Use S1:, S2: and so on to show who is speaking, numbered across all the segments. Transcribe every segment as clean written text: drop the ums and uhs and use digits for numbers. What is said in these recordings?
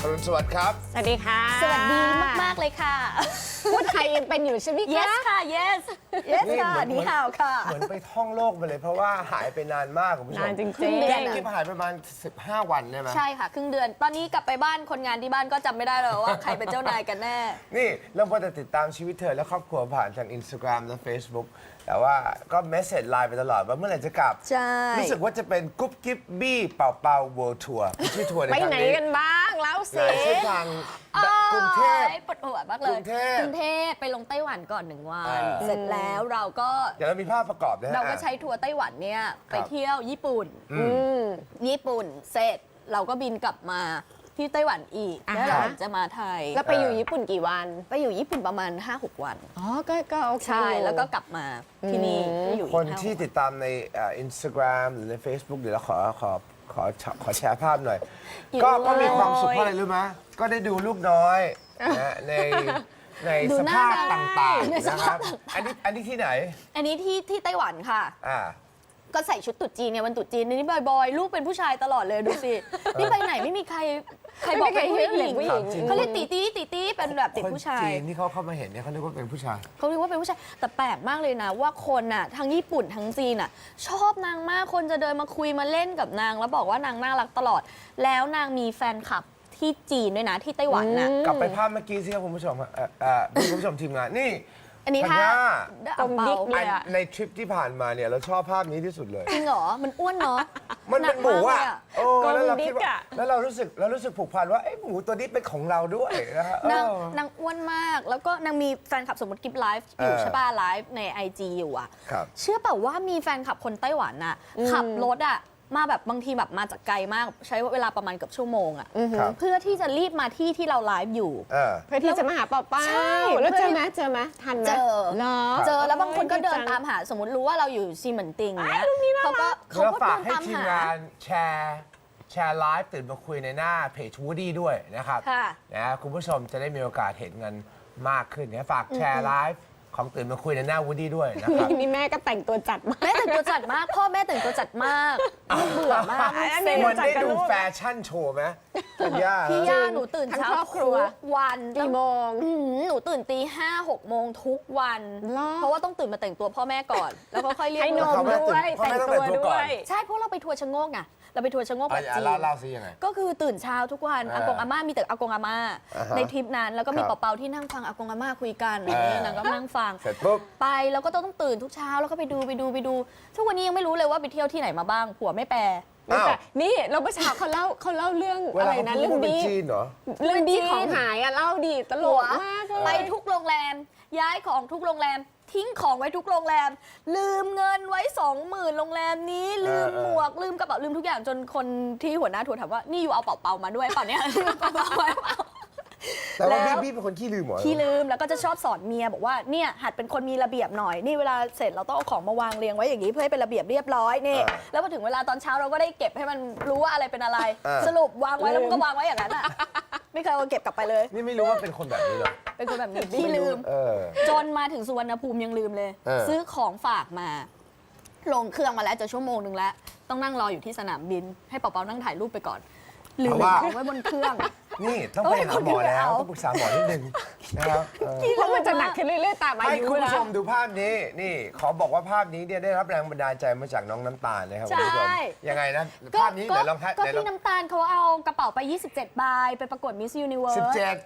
S1: อรุณสวัสดิ์ครับ
S2: สวัสดีค่ะ
S3: สวัสดีมากๆเลยค่ะ
S2: พูดไทยยังเป็นอยู่ใช่ไหมคะ
S3: yes ค่ะ yes yes
S1: นี่
S3: ค่ะ
S1: เหมือน
S3: นี่ข่าวค่ะ
S1: เหมือนไปท่องโลกไปเลยเพราะว่าหายไปนานมากคุณผู้ชม
S2: นานจริง
S3: ครึ่งเดือน
S1: คลิปหายไปประมาณ15 วันได้ไหม
S3: ใช่ค่ะครึ่งเดือน ตอนนี้กลับไปบ้านคนงานที่บ้านก็จำไม่ได้แล้วว่าใครเป็นเจ้านายกันแน่
S1: นี่เราพอจะติดตามชีวิตเธอและครอบครัวผ่านทาง Instagram และ Facebook แต่ว่าก็เมสเซจไลน์ไปตลอดว่าเมื่อไหร่จะกลับ
S3: ใช่
S1: รู้สึกว่าจะเป็นกุ๊บกิ๊บบี้เป่าเป่า World Tour ชื่อทัวร์ใน
S2: ไป
S1: ครั้ง
S2: ไหน
S1: นี้
S2: กันบ้างเล่า
S1: ห
S2: สิ
S1: ลายเส้นทางกรุงเทพ
S3: โอ๊ยปวดหัวมากเลย
S1: กรุงเทพ
S3: กรุงเทพไปลงไต้หวันก่อน1 วัน
S1: อ่า
S3: เสร็จแล้วเราก็
S1: เดี๋ยวเรามีภาพประกอบนะฮะ
S3: เราก็ใช้ทัวร์ไต้หวันเนี่ยไปเที่ยวญี่ปุ่น ญี่ปุ่นเสร็จเราก็บินกลับมาที่ไต้หวันอีก แล้วเราจะมาไทย
S2: แล้วไปอยู่ญี่ปุ่นกี่วัน
S3: ไปอยู่ญี่ปุ่นประมาณ 5-6 วัน
S2: อ๋อ ก็โอเค
S3: ใช่ แล้วก็กลับมาที่นี่ก็อยู่อีก
S1: คน
S3: 5-6
S1: ที่ติดตามในInstagram หรือใน Facebook เดี๋ยวเราขอแชร์ภาพหน่อย ก็มีความสุขเพราะอะไรรู้ไหมก็ได้ดูลูกน้อยนะในสภาพต่างๆนะครับอันนี้ที่ไหน
S3: อันนี้ที่ไต้หวันค่ะ
S1: อ่า
S3: ก็ใส่ชุดตุ๊ดจีนเนี่ยวันตุ๊ดจีนนี่บ่อยๆ ลูกเป็นผู้ชายตลอดเลยดูสิ นี่ไปไหนไม่มีใครบอกเป็นผู้หญิง
S1: ถามจริง
S3: เขาเรียกตีตี้เป็นแบบเด็กผู้ชา
S1: คน
S3: ย
S1: จีนที่เขาเข้ามาเห็นเนี่ยเขาเรียกว่าเป็นผู้ชาย
S3: เขาเรียกว่าเป็นผู้ชายแต่แปลกมากเลยนะว่าคนน่ะทั้งญี่ปุ่นทั้งจีนน่ะชอบนางมากคนจะเดินมาคุยมาเล่นกับนางแล้วบอกว่านางน่ารักตลอด แล้วนางมีแฟนคลับที่จีนด้วยนะที่ไต้หวันน่ะ
S1: กลับไปภาพเมื่อกี้สิครับคุณผู้ชมคุณผู้ชมทีมงานนี่
S3: อันนี้
S1: ธัญ
S3: ถ้า
S1: ญา
S3: อังเปา
S2: เลยอะ
S1: ในทริปที่ผ่านมาเนี่ยเราชอบภาพนี้ที่สุดเลย
S3: จริงเหรอมันอ้วนเนาะ
S1: มันเป็นหมูอ่ะ
S3: นักากเลย
S1: โอ้แล้วเราคิด
S2: กลมดิ๊ก
S1: ว่า
S2: อะ
S1: แล้วเรารู้สึกผูกพันว่าไอ้หมูตัวนี้เป็นของเราด้วยนะฮะ
S3: นางอ้วนมาก แล้วก็นางมีแฟนคลับสมมติกิฟไลฟ์อยู่ใช่ป่ะไลฟ์ใน IG อยู่อ่ะ
S1: ครับ
S3: เชื่อเปล่าว่ามีแฟนคลับคนไต้หวันน่ะขับรถอ่ะมาแบบบางทีแบบมาจากไกลมากใช้เวลาประมาณเกือบชั่วโมงอ่ะ
S1: ครับ
S3: เพื่อที่จะรีบมาที่เราไลฟ์อยู่
S2: เพื่อที่จะมาหาเป่าเป้า
S3: ใช่
S2: แล้วเจอไหมทันไหม
S3: เจอ
S2: เหรอ
S3: เจอแล้วบางคนก็เดิน
S2: ดีจัง
S3: ตามหาสมมติรู้ว่าเราอยู่ซีเหมือนติงเนี้ยเขาก็
S1: แล้ว
S3: เดิ
S1: ฝาก
S3: น
S1: ให้
S3: ตาม
S1: ทีม
S3: หา
S1: งานแชร์ไลฟ์ตื่นมาคุยในหน้าเพจวูดี้ด้วยนะครับ
S3: ค่ะ
S1: นะคุณผู้ชมจะได้มีโอกาสเห็นกันมากขึ้นนะฝากแชร์ไลฟ์ของตื่นมาคุยในหน้าวูดี้ด้วยนะครับ
S2: นี่แม่ก็แต่งตัวจัดมาก
S3: แม่แต่งตัวจัดมาก พ่อแม่แต่งตัวจัดมากลูกเบื่อมาก
S2: อัน
S3: เซ็
S2: นี้
S3: ง
S1: มันได้ดูแฟชั่นโชว์ไหมธัญญา
S3: พี่ย่าหนูตื่น
S2: ทั้ง
S3: เช้า
S2: ครอบครัว
S3: ทุกวัน
S2: กี่โมง
S3: หนูตื่นตี5-6 โมงทุกวัน
S2: เหรอ
S3: เพราะว่าต้องตื่นมาแต่งตัวพ่อแม่ก่อน แล้วก็ค่อยเรียก
S2: ให้น
S3: ลูก
S2: มด้วย
S1: พ่อแม่
S2: แต่ง
S1: ต้อง
S2: ตัว
S1: แต่งตัวก่
S2: ด้
S1: อน
S2: วย
S3: ใช่เพราะเราไปทัวร์ชะโงกไงเราไปทัวร์ชะโงกแบบจีน
S1: เล่าสิยังไง
S3: ก็คือตื่นเช้าทุกวันอากงอาม่ามีแต่อากงอาม่า
S1: อ่าฮะ
S3: ในทริปนั้นแล้วก็มี
S1: ครับ
S3: เปาๆที่นั่งฟังอากงอาม่าคุยกันอะไรอย่างเงี้ยนางก็นั่งฟัง
S1: เสร็จปุ๊บ
S3: ไปแล้วก็ต้องตื่นทุกเช้าแล้วก็ไปดูทุกวันนี้ยังไม่รู้เลยว่าไปเที่ยวที่ไหนมาบ้างผัวไม่แปล
S1: อ้าว
S2: แต่นี่เราเมื่อเช้าเขาเล่าเรื่อง
S1: เว
S2: อะไร
S1: ลา
S2: นะ
S1: เขาพูด
S2: เรื่อง
S1: ว่าเป็น
S2: ดี
S1: จีนเหรอ
S2: เรื่องดีของหายอะเล่าดีตล
S3: ผัว
S2: กมากเลย
S3: ไปทุกโรงแรม ย้ายของทุกโรงแรม ทิ้งของไว้ทุกโรงแรม ลืมเงินไว้ 20,000 โรงแรมนี้ลืมหมวกลืมกระเป๋าลืมทุกอย่างจนคนที่หัวหน้าทัวร์ถามว่านี่อยู่เอาเป๋ามาด้วยเปล่าเนี่ย เป๋าไว้เปล่า
S1: แต่ว่า
S3: แล้ว
S1: พี่เป็นคนขี้ลืมเหรอ
S3: ขี้ลืมแล้วก็จะชอบสอนเมียบอกว่าเนี่ยหัดเป็นคนมีระเบียบหน่อยนี่เวลาเสร็จเราต้องเอาของมาวางเรียงไว้อย่างนี้เพื่อให้เป็นระเบียบเรียบร้อยนี่แล้วพอถึงเวลาตอนเช้าเราก็ได้เก็บให้มันรู้ว่าอะไรเป็นอะไร สรุปวางไว้แล้วมันก็วางไว้อย่างนั้นอ่ะไม่เคยเอาเก็บกลับไปเลย
S1: นี่ไม่รู้ว่าเป็นคนแบบนี้เหรอ
S3: เป็นคนแบบนี้ขี้ลืม
S1: เออ
S3: จนมาถึงสุวรรณภูมิยังลืมเลย ซื้อของฝากมา ลงเครื่องมาแล้วจะชั่วโมงนึงแล้ว ต้องนั่งรออยู่ที่สนามบิน ให้เปาๆนั่งถ่ายรูปไปก่อน ลืมของไว้บนเครื่อง
S1: นี่ต้องไปหาหมอแล้ว
S3: เอา
S1: ต้องปรึกษาหมอนิดนึงนะครับเออ
S2: เพราะมันจะหนักขึ้นเรื่อยๆตามอา
S1: ให้
S2: ยุ
S1: คุณ
S2: นะ
S1: ผู้ชมดูภาพนี้ นี่ขอบอกว่าภาพนี้เนี่ยได้รับแรงบันดาลใจมาจากน้องน้ำตาลนะครับคุณผู้ชม
S3: ใช่
S1: ยังไงนะภาพนี้ไหนลองให้
S3: ก็
S1: ไหนลอ
S3: พี่
S1: ง
S3: น้ำตาลเขาเอากระเป๋าไป 27 ใบไปประกวด Miss Universe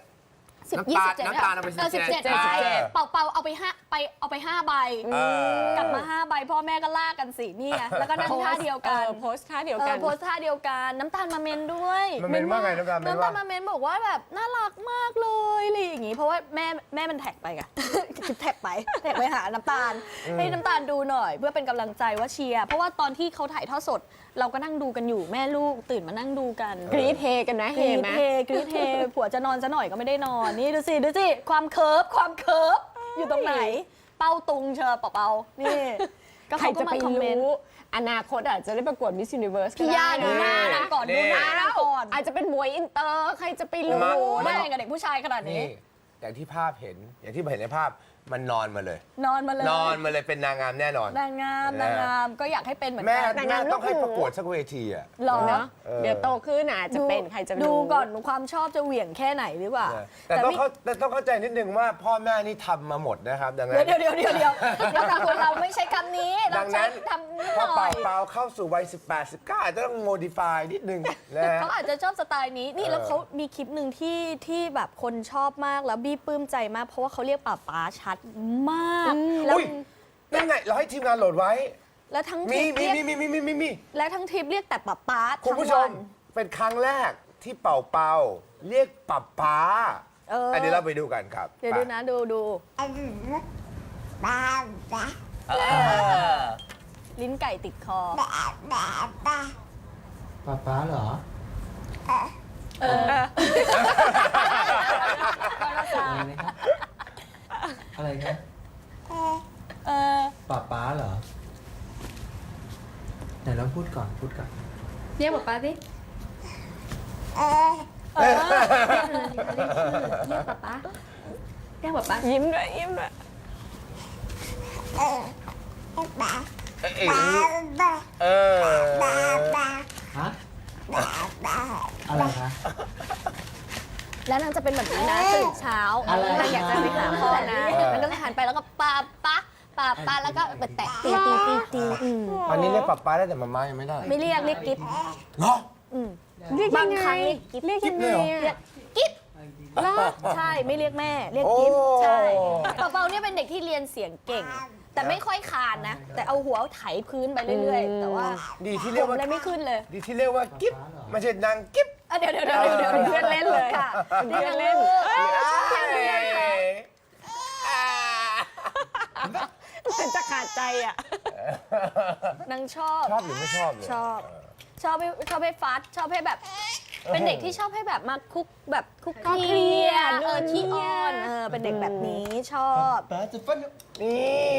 S1: 17 น้ำตาลเอาไป17
S3: ใบเป่าเอาไป5ใบ กลับมา 5 ใบพ่อแม่ก็ลากกันสินี่ไงแล้วก็นั่งท่าเดียวกัน
S2: โพสท่าเดียวกัน
S3: โพสท่าเดียวกันน้ำตาลมาเมนด้วย
S1: มันเป็นว่าไงน้ำตาลเป็น
S3: น้ำ
S1: ว่า
S3: ตาลมาเมนบอกว่าแบบน่ารักมากเลยอะไรอย่างงี้เพราะว่าแม่มันแท็กไปไง แท็กไปหาน้ำตาลให้น้ำตาลดูหน่อย เพื่อเป็นกำลังใจว่าเชียร์เพราะว่าตอนที่เขาถ่ายทอดสด เราก็นั่งดูกันอยู่แม่ลูกตื่นมานั่งดูกัน
S2: กรี๊ดเฮกันนะ
S3: ก
S2: เฮ
S3: รี๊ด
S2: ไหม
S3: เฮกรี๊ดเฮผัวจะนอนซะหน่อยก็ไม่ได้นอนนี่ดูสิความเคิร์ฟอยู่ตรงไหน เป้าตุงเชอเปาๆนี่ก็
S2: ใคร
S3: เขาก็
S2: จะ
S3: มา
S2: ไป
S3: คอมเมนต์
S2: รู้อนาคตอาจจะได้ประกวด Miss Universe ก็
S3: พี่
S2: ได้
S3: ย่าดูหน้านะก่อนดูหน้านะก่อน
S2: อาจจะเป็นมวยอินเตอร์ใครจะไปรู้
S3: โอ้โห
S1: มา
S3: ได้กับเด็กผู้ชายขนาดนี้
S1: นี่อย่างที่ภาพเห็นอย่างที่เห็นในภาพมันนอนมาเลย
S3: นอนมาเลย
S1: นอนมาเลยเป็นนางงามแน่นอน
S3: นางงามก็อยากให้เป็นเหมือน
S1: แม่
S3: กัน
S2: นาง
S1: แม่
S2: งาม
S1: ต้องให้
S2: ลูกหมู
S1: ประกวดสักเวทีอ่ะ
S3: หรอ
S2: เนาะเดี๋ยวโตขึ้นอาจจะเป็นใครจะรู้
S3: ดูก่อนความชอบจะเหวี่ยงแค่ไหนหรือเปล่า
S1: แต่ต้อง
S3: พี่
S1: เข้าใจนิดนึงว่าพ่อแม่นี่ทำมาหมดนะครับดังนั้น
S3: เดี๋ยวแต่คนเราไม่ใช้คำนี้เรา
S1: ดัง
S3: ใช้
S1: นั้น
S3: ทำนิด
S1: พอ
S3: หน่อย
S1: เปล่าเข้าสู่วัย 18 19อาจจะต้องโมดิฟายนิดนึงนะฮะ
S3: เขาอาจจะชอบสไตล์นี้นี่แล้วเขามีคลิปหนึ่งที่แบบคนชอบมากแล้วบี้ปลื้มใจมากเพราะว่าเขาเรียกป๋าชัดมากแล้ว
S1: อุ้ยนั่นไงเราให้ทีมงานโหลดไว้
S3: แล้วทั้งท
S1: มี
S3: ริป
S1: มี
S3: เรียก
S1: มี
S3: และทั้งทริปเรียกแต่ป๋า
S1: คุณ
S3: ทั้ง
S1: ผู้ช
S3: วั
S1: ม
S3: น
S1: เป็นครั้งแรกที่เป่าเรียกป๊า อันนี้เราไปดูกันครับ
S3: เดี๋ยวดูนะดู
S4: บ้าบ้า
S3: ลิ้นไก่ติดคอ
S4: บ้าบ้าบ้า
S5: ป๊าเหรอ อะไรนะครับ อะไรครับ
S3: เออ
S5: ป๊าเหรอ ไหนลองพูดก่อน
S6: เรียกป๊าป๊าสิ
S4: เออ
S6: เรียกป๊าป๊าเรียกป๊าป๊า
S2: ยิ้มด้วยยิ้มด้วย
S4: เออบ้า
S1: เอ้ย
S4: บ้าบ้า
S1: เออ
S4: บ้าบ้า
S5: ฮะ
S4: บ้าบ้า
S5: อะไรคะ
S3: แล้วนางจะเป็นแบบนี้นะตื่นเช้า
S5: อะไร
S3: นางอยากจะไปหาพ่อนะ
S1: เออ
S3: นางก็จะหันไปแล้วก็ป๊าแล้วก็ไปแตะตีอืม
S1: ตอนนี้เรียกป๊าได้แต่มาม่ายังไม่ได้
S3: ไม่เรียกกิ๊บ
S1: เหรอ
S2: เรียก
S3: บา
S2: ยัง ง
S3: ค
S2: ไง
S3: รั้งเรียกกิ๊บ
S2: เรียกยังไง
S3: เรีย
S2: อะ
S3: กกิ๊บ ใช่ไม่เรียกแม่เรียกกิ๊บ
S1: โอ้
S3: ใช่เปาเนี่ยเป็นเด็กที่เรียนเสียงเก่ง แต่ไม่ค่อยคานนะ แต่เอาหัวไถพื้นไปเรื่อยๆ แต่ว่า
S1: ดีที่
S3: ผ
S1: เรียก
S3: ม
S1: ว่า
S3: เลยไม่ขึ้นเลย
S1: ดีที่เรียกว่ากิ๊บไม่ใช่นางกิ๊บ
S3: อ่ะเดี๋ยว
S2: เป็นเพื่อนเล่นเลย
S3: ค่ะ
S2: เป็นเพื่อนเล่น เป็นจะขาดใจอ่ะ
S3: นางชอบ
S1: ชอบหรือไม่ชอบเลย
S3: ชอบให้ฟัดชอบให้แบบ เป็นเด็กที่ชอบให้แบบมาคุกแบบคุก
S2: ก็เครียด
S3: ขี้อ้อนเป็นเด็กแบบนี้ชอบ
S5: ป๊าจะฟัน
S1: นี่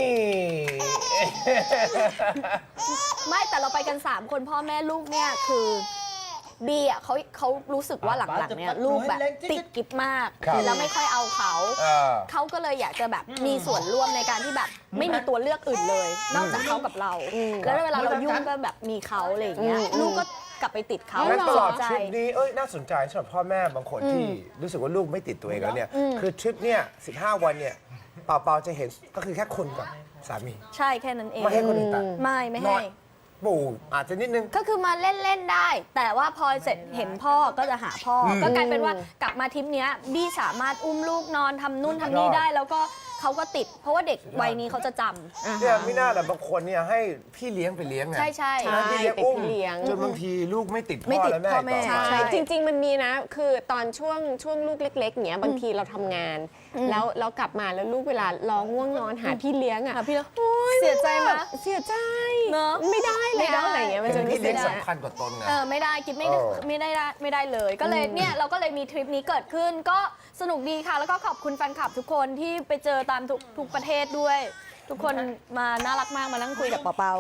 S3: ไม่แต่เราไปกัน 3 คนพ่อแม่ลูกเนี่ยคือบีอ่ะเขารู้สึกว่าหลังๆเนี่ยลูกแบบติดกิ๊บมากแล้วไม่ค่อยเอาเขา
S1: เออ
S3: เขาก็เลยอยากจะแบบมีส่วนร่วมในการที่แบบไม่มีตัวเลือกอื่นเลย นอกจากเขากับเรา แล้วเวลาเรายุ่งก็แบบมีเขาอะไรอย่างเงี้ยลูกก็กลับไปติดเขา
S1: งั้นตลอด
S3: ใจ
S1: ทริปนี้น่าสนใจสำหรับพ่อแม่บางคนที่รู้สึกว่าลูกไม่ติดตัวเองแล้วเนี่ย คือทริปเนี่ย15 วันเนี่ยเปาจะเห็นก็คือแค่คนกับสามี
S3: ใช่แค่นั้นเอง
S1: ไม่ให้คนอื่นตัด
S3: ไม่
S1: น้
S3: ให้
S1: อยปู่อาจจะนิดนึง
S3: ก็คือมาเล่น ๆ ได้ แต่ว่าพอเสร็จเห็นพ่อก็จะหาพ่ออก็กลายเป็นว่ากลับมาทริปเนี้ยบี้สามารถอุ้มลูกนอนทำนู่นทำนี่ได้ แล้วก็เขาก็ติด เพราะว่าเด็กวัยนี้เขาจะจำ
S1: เนี่ยไม่น่าแต่บางคนเนี่ยให้พี่เลี้ยงไปเลี้ยงไง
S3: ใช่
S2: ใช่
S1: ให้พี่เลี้ยงอุ้ม
S2: ติดพี่เลี้ยง
S1: จนบางทีลูกไม่ติด
S3: ไม่
S1: พ่อ
S3: ติด
S1: และแม่
S3: พ่อแม่
S1: ต่อ
S2: ใช่
S3: ใช่
S2: จริง ๆ มันมีนะ คือตอนช่วงลูกเล็ก ๆเนี้ยบางทีเราทำงาน แล้วกลับมาแล้วลูกเวลาร้องง่วงนอนหาพี่เลี้ยงอ่ะ
S3: ค่ะพี่แล้วเสียใจไหม
S2: เสียใจ
S3: เนอะ
S2: ไม่ได้
S3: ไม่
S2: แล้
S3: ได้
S2: วอะไรเงี้ยมันจะ
S1: พี่
S2: รู้สึ
S1: เลี้ย
S2: ก
S1: ง
S2: นะ
S1: สำคัญกว่าตนไง
S3: ไม่ได้กิ๊บไม่ได้
S1: เออ
S3: ไม่ได้เลย ก็เลยเนี่ยเราก็เลยมีทริปนี้เกิดขึ้น ก็สนุกดีค่ะ แล้วก็ขอบคุณแฟนคลับทุกคนที่ไปเจอตามทุกประเทศด้วย ทุกคนมาน่ารักมากมานั่งคุยกับเปา